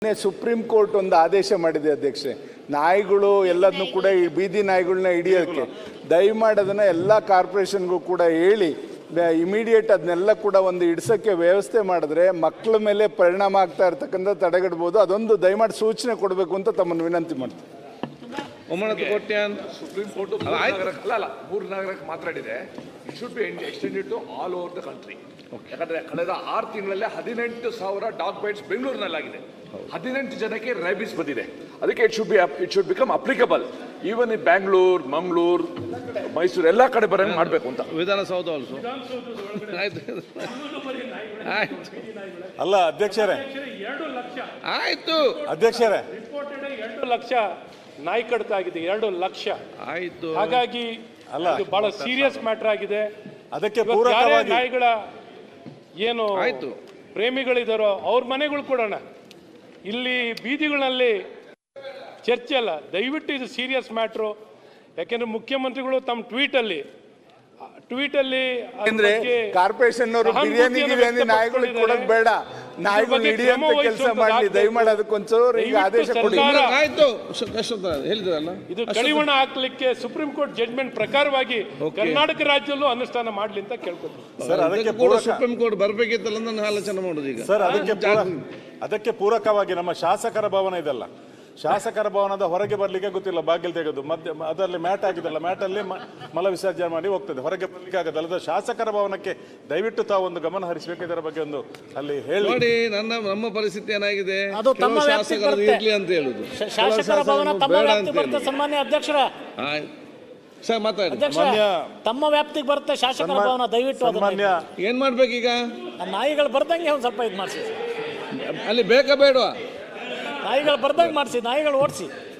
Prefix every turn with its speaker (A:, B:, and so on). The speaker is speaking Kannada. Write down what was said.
A: ಸುಪ್ರೀಂ ಕೋರ್ಟ್ ಒಂದು ಆದೇಶ ಮಾಡಿದೆ ಅಧ್ಯಕ್ಷೆ, ನಾಯಿಗಳು ಎಲ್ಲದನ್ನು ಕೂಡ ಈ ಬೀದಿ ನಾಯಿಗಳನ್ನ ಹಿಡಿಯೋಕ್ಕೆ ದಯಮಾಡಿ ಅದನ್ನು ಎಲ್ಲ ಕಾರ್ಪೊರೇಷನ್ಗೂ ಕೂಡ ಹೇಳಿ ಇಮಿಡಿಯೇಟ್ ಅದನ್ನೆಲ್ಲ ಕೂಡ ಒಂದು ಹಿಡ್ಸೋಕ್ಕೆ ವ್ಯವಸ್ಥೆ ಮಾಡಿದ್ರೆ ಮಕ್ಕಳ ಮೇಲೆ ಪರಿಣಾಮ ಆಗ್ತಾ ಇರ್ತಕ್ಕಂಥ ತಡೆಗಟ್ಬೋದು. ಅದೊಂದು ದಯಮಾಡಿ ಸೂಚನೆ ಕೊಡಬೇಕು ಅಂತ ತಮ್ಮನ್ನು ವಿನಂತಿ ಮಾಡ್ತೀನಿ.
B: ಸುಪ್ರೀಂ ಕೋರ್ಟ್ ಮೂರು ನಗರಕ್ಕೆ ಮಾತಾಡಿದೆ. It should be extended to all over the country. ಯಾಕಂದ್ರೆ ಕಳೆದ 6 ತಿಂಗಳಲ್ಲೇ 18,000 ಡಾಗ್ ಬೈಟ್ಸ್ ಬೆಂಗಳೂರಿನಲ್ಲಾಗಿದೆ. 18 ಜನಕ್ಕೆ ರೈಬಿಸ್ ಬಂದಿದೆ. ಅದಕ್ಕೆ it should become applicable even in Bangalore, Mangaluru, Mysuru ಎಲ್ಲ ಕಡೆ ಬರಂಗೆ ಮಾಡಬೇಕು ಅಂತ.
C: ವಿಧಾನಸೌಧ ಆಲ್ಸೋ
D: ಅಲ್ಲ ಅಧ್ಯಕ್ಷರೇ,
E: 2 ಲಕ್ಷ
C: ಆಯ್ತು
D: ಅಧ್ಯಕ್ಷರೇ,
E: ರಿಪೋರ್ಟೆಡ್ 2 ಲಕ್ಷ ನಾಯಿ ಕಡಿತ ಆಗಿದೆ. 2 ಲಕ್ಷ
C: ಆಯ್ತು.
E: ಹಾಗಾಗಿ ಇದು ಬಹಳ ಸೀರಿಯಸ್ ಮ್ಯಾಟರ್ ಆಗಿದೆ.
D: ಅದಕ್ಕೆ
E: ಯಾರೇ
D: ಪೂರಕವಾಗಿ
E: ನಾಯಿಗಳ ಏನು
C: ಆಯ್ತು
E: ಪ್ರೇಮಿಗಳಿದಾರೋ ಅವ್ರ ಮನೆಗಳು ಕೊಡೋಣ. ಇಲ್ಲಿ ಬೀದಿಗಳಲ್ಲಿ ಚರ್ಚೆ ಅಲ್ಲ, ದಯವಿಟ್ಟು ಇದು ಸೀರಿಯಸ್ ಮ್ಯಾಟ್ರು. ಯಾಕೆಂದ್ರೆ ಮುಖ್ಯಮಂತ್ರಿಗಳು ತಮ್ಮ ಟ್ವೀಟಲ್ಲಿ
A: ಅಂದ್ರೆ ಕಾರ್ಪೊರೇಷನ್ ಅವರು ಬಿರಿಯಾನಿ ನಾಯಿಗಳಿಗೆ ಕೊಡೋದು ಬೇಡ, ನಾಯಿಗಳು ಹಿಡಿಯುವಂತ ಕೆಲಸ ಮಾಡಲಿ. ದಯಮಾಡಿ ಅದಕ್ಕೊಂಚೂರು ಈಗ ಆದೇಶ ಕೊಡಿ.
C: ಆಯ್ತು ಹೇಳಿದ್ರಲ್ಲ,
E: ಇದು ಕಡಿವಾಣ ಹಾಕ್ಲಿಕ್ಕೆ ಸುಪ್ರೀಂ ಕೋರ್ಟ್ ಜಡ್ಜ್ಮೆಂಟ್ ಪ್ರಕಾರವಾಗಿ ಕರ್ನಾಟಕ ರಾಜ್ಯದಲ್ಲೂ ಅನುಷ್ಠಾನ ಮಾಡ್ಲಿ ಅಂತ ಕೇಳ್ಕೊತೀನಿ.
D: ಸರ್ ಅದಕ್ಕೆ
C: ಕೂಡ ಸುಪ್ರೀಂ ಕೋರ್ಟ್ ಬರ್ಬೇಕಿತ್ತಲ್ಲ ನನ್ನ ಆಲೋಚನೆ ಮಾಡೋದು ಈಗ.
D: ಸರ್ ಅದಕ್ಕೆ ಪೂರಕವಾಗಿ ನಮ್ಮ ಶಾಸಕರ ಭವನ ಇದೆಲ್ಲ, ಶಾಸಕರ ಭವನದ ಹೊರಗೆ ಬರ್ಲಿಕ್ಕೆ ಗೊತ್ತಿಲ್ಲ, ಬಾಗಿಲು ತೆಗೆದು ಮಧ್ಯ ಅದರಲ್ಲಿ ಮ್ಯಾಟ್ ಆಗಿದೆಲ್ಲ, ಮ್ಯಾಟಲ್ಲಿ ಮಲ ವಿಸರ್ಜನೆ ಮಾಡಿ ಹೋಗ್ತದೆ, ಹೊರಗೆ ಬರ್ಲಿಕ್ಕೆ ಆಗೋದಲ್ಲ. ಶಾಸಕರ ಭವನಕ್ಕೆ ದಯವಿಟ್ಟು ತಾವು ಒಂದು ಗಮನ ಹರಿಸಬೇಕು, ಇದರ ಬಗ್ಗೆ ಒಂದು ಅಲ್ಲಿ ಹೇಳಿ.
C: ನೋಡಿ ನಮ್ಮ ಪರಿಸ್ಥಿತಿ ಏನಾಗಿದೆ,
F: ಅದು ತಮ್ಮ
C: ಕೆಲವು
F: ವ್ಯಾಪ್ತಿಗೆ
C: ಶಾಸಕರು
F: ಬರುತ್ತೆ.
C: ಇರ್ಲಿ ಅಂತ ಹೇಳುದು,
F: ಶಾಸಕರ ಭವನ ತಮ್ಮ
C: ಬೇಡ
F: ವ್ಯಾಪ್ತಿಗೆ
C: ಅಂತ
F: ಬರುತ್ತೆ.
C: ಹೇಳಿ.
F: ಸನ್ಮಾನ್ಯ ಅಧ್ಯಕ್ಷರ,
C: ಸರ್ ಮಾತಾಡಿ.
F: ಅಧ್ಯಕ್ಷ ತಮ್ಮ ವ್ಯಾಪ್ತಿಗೆ ಬರುತ್ತೆ ಶಾಸಕರ ಭವನ. ದಯವಿಟ್ಟು
D: ಸನ್ಮಾನ್ಯ
C: ಏನ್ ಮಾಡ್ಬೇಕೀಗ,
F: ನಾಯಿಗಳು ಬರ್ದಂಗೆ ಒಂದು ಸ್ವಲ್ಪ ಇದು ಮಾಡಿಸಿ,
C: ಅಲ್ಲಿ ಬೇಕಾ ಬೇಡವಾ?
F: ನಾಯಿಗಳು ಬರ್ದಂಗೆ ಮಾಡಿಸಿ, ನಾಯಿಗಳು ಓಡಿಸಿ.